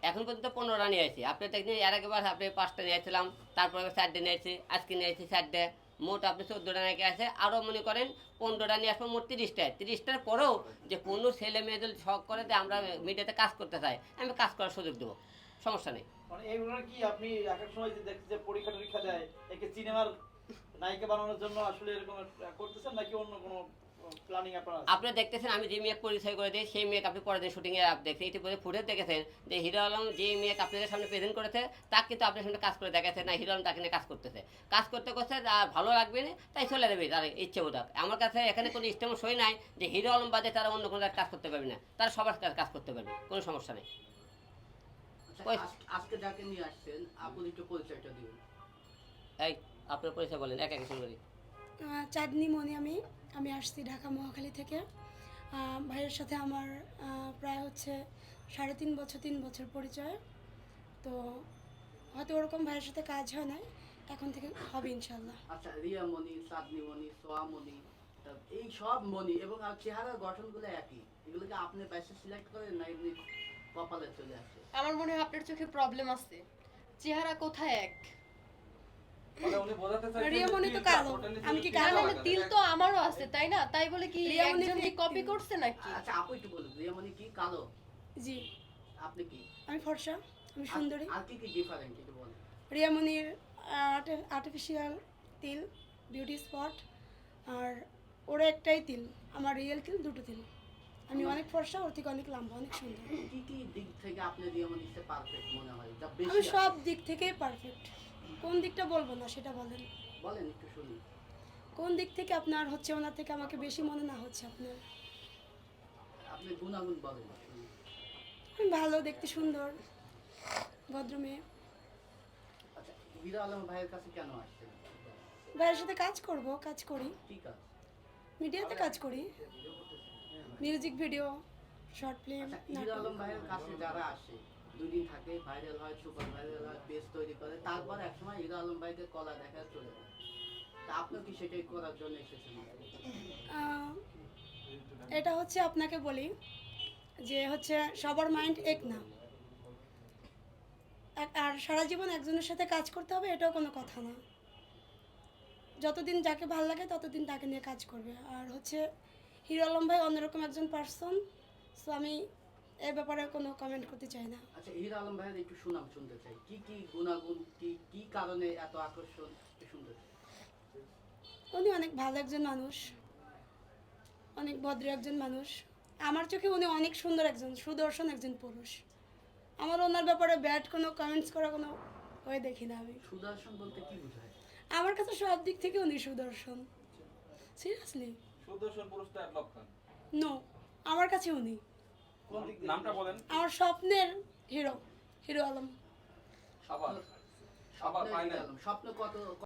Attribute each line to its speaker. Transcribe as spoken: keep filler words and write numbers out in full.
Speaker 1: এখন পর্যন্ত পনেরোটা নিয়ে আসছি। আপনি দেখছেন এর আগেবার আপনি পাঁচটা নিয়ে আসছিলাম, তারপরে চারটে নিয়ে আসছি, আজকে নিয়ে আসছি চারটে, মোট আপনি চোদ্দোটা নাকি আছে। আরও মনে করেন পনেরোটা নিয়ে আসবো, মোট তিরিশটায়। তিরিশটার পরেও যে কোনো ছেলে মেয়ে যদি শখ করে যে আমরা মিডিয়াতে কাজ করতে চাই, আমি কাজ করার সুযোগ দেবো, সমস্যা নেই।
Speaker 2: মানে এইগুলো কি আপনি এক এক সময় যে দেখছি যে পরীক্ষা টরীক্ষা দেয় একে সিনেমার নায়িকা বানানোর জন্য আসলে এরকম করতেছেন নাকি অন্য কোনো প্ল্যানিং আপনার আছে?
Speaker 1: আপনি দেখতেছেন আমি যে মেয়ে পরিচয় করে দিই, সেই মেয়েকে আপনি পরের দিন শুটিংয়ে দেখছেন, ইতিপূর্বে ফুটেজ দেখেছেন যে হিরো আলম যে মেয়েকে আপনাদের সামনে প্রেজেন্ট করেছে, তাকে কিন্তু আপনার সামনে কাজ করে দেখাচ্ছে না হিরো আলম তাকে নিয়ে কাজ করতেছে। কাজ করতে করতে আর ভালো লাগবে না, তাই চলে যাবে তার ইচ্ছে বোধক। আমার কাছে এখানে কোনো ইস্টেম সই নাই যে হিরো আলম বাদে তারা অন্য কোনো কাজ করতে পারবে না, তারা সবার কাজ কাজ করতে পারবে, কোনো সমস্যা নেই।
Speaker 3: আচ্ছা,
Speaker 1: ওই
Speaker 3: আজ- আজকে যাকে নিয়ে আসছেন আপনি একটু পরিচয়টা দিন।
Speaker 1: এই আপনার পরিচয় বলেন, এক এক শুনবেন।
Speaker 4: আহ, চাঁদনি মনি আমি আমি আসছি ঢাকা মহাখালী থেকে। আহ, ভাইয়ের সাথে আমার আহ, প্রায় হচ্ছে সাড়ে তিন বছর তিন বছর পরিচয়। তো হয়তো ওরকম ভাইয়ের সাথে কাজ হয় না, এখন থেকে হবে ইনশাল্লাহ।
Speaker 3: আচ্ছা, রিয়া মনি, চাঁদনি মনি, সোয়া মনি, তা এই সব মনি এবং আর চেহারার গঠনগুলো একই, এগুলোকে আপনি বাইসে সিলেক্ট করেন না এমনি কপালে চলে আসে?
Speaker 5: আমার মনে হয় আপনার চোখে প্রবলেম আছে, চেহারা কোথায় এক।
Speaker 6: মানে উনি বোঝাতে চাইছেন
Speaker 4: রিয়া
Speaker 6: যে
Speaker 4: মনি তো
Speaker 6: তিলটা
Speaker 4: কালো,
Speaker 6: ওটা নিচে
Speaker 4: আমি কি
Speaker 6: তিলটা
Speaker 5: তার
Speaker 4: কালো?
Speaker 5: মানে
Speaker 6: লাগানো,
Speaker 5: তিল
Speaker 6: তাই
Speaker 5: তো আমারও আছে, তাই না? তাই বলে কি
Speaker 4: রিয়া মনি
Speaker 5: একজন কি
Speaker 4: fake
Speaker 5: কপি
Speaker 4: তিল।
Speaker 5: করছে নাকি?
Speaker 3: আচ্ছা, আপু একটু বলুন, রিয়া মনি কি কালো?
Speaker 4: জি,
Speaker 3: আপনি কি?
Speaker 4: আমি ফর্সা, আমি সুন্দরী।
Speaker 3: আর- আর কি কি ডিফারেন্ট একটু বলেন।
Speaker 4: রিয়ামনির আর্টিফিশিয়াল তিল, বিউটি স্পট, আর ওরা একটাই তিল, আমার রিয়েল তিল দুটো তিল। আমি অনেক ফর্সা, ওর থেকে অনেক লম্বা, অনেক সুন্দর।
Speaker 3: কি কি দিক থেকে আপনি রিয়া মনিকে পারফেক্ট মনে হয়, যা
Speaker 4: আমি
Speaker 3: বেশি
Speaker 4: সব দিক থেকেই পারফেক্ট। কোন দিকটা বলবো না সেটা বলেন।
Speaker 3: আছে? বলেন একটু শুনি।
Speaker 4: কোন দিক থেকে আপনার হচ্ছে ওনার থেকে আমাকে বেশি মনে না হচ্ছে আপনার?
Speaker 3: আপনি গুণাগুণ বলেন শুনি।
Speaker 4: আমি ভালো, দেখতে সুন্দর, ভদ্র মেয়ে।
Speaker 3: আচ্ছা, হিরো আলম ভাইয়ের কাছে কেন আসছেন?
Speaker 4: ভাইয়ের সাথে কাজ করব, কাজ করি,
Speaker 3: ঠিক আছে।
Speaker 4: মিডিয়াতে কাজ করি, মিউজিক ভিডিও, শর্ট ফিল্ম,
Speaker 3: আচ্ছা, হিরো আলম ভাইয়ের কাছে যারা আসে দুই দিন থাকে, ভাইরাল হয়, সুপার ভাইরাল হয়, পেজ তৈরি করে, তারপর একসময় হিরো আলম ভাইকে কলা দেখা চলে যায়। তা আপনি কি সেটাই করার জন্য এসেছেন?
Speaker 4: আহ, এটা হচ্ছে আপনাকে বলি যে হচ্ছে সবার মাইন্ড এক না, এক- আর সারা জীবন একজনের সাথে কাজ করতে হবে এটাও কোনো কথা না। যতদিন যাকে ভালো লাগে ততদিন তাকে নিয়ে কাজ করবে। আর হচ্ছে হিরো আলম ভাই অন্যরকম একজন পার্সন, সো আমি এ ব্যাপারে কোনো কমেন্ট করতে চাই না।
Speaker 3: আচ্ছা, হিরো আলম ভাইয়ের একটু সুনাম শুনতে চাই, কি কি গুণাগুণ, কি কি কারণে এত আকর্ষণ, একটু শুনতে চাই।
Speaker 4: উনি অনেক ভালো একজন মানুষ, অনেক ভদ্র একজন মানুষ। আমার চোখে উনি অনেক সুন্দর একজন সুদর্শন একজন পুরুষ। আমার ওনার ব্যাপারে ব্যাড কোনো কমেন্টস করা কোনো হয়ে দেখি না আমি।
Speaker 3: সুদর্শন বলতে কি বোঝায়?
Speaker 4: আমার কাছে সব দিক থেকে উনি সুদর্শন, সিরিয়াসলি।
Speaker 6: সুদর্শন পুরুষ তো এক লক্ষণ।
Speaker 4: নো, আমার কাছে উনি
Speaker 2: কোন দিক দিয়ে?
Speaker 6: নামটা বলেন।
Speaker 4: আমার স্বপ্নের হিরো, হিরো আলম।
Speaker 6: আবার আবার
Speaker 3: স্বপ্নের হিরো
Speaker 6: ফাইনাল
Speaker 3: আলম, স্বপ্ন কত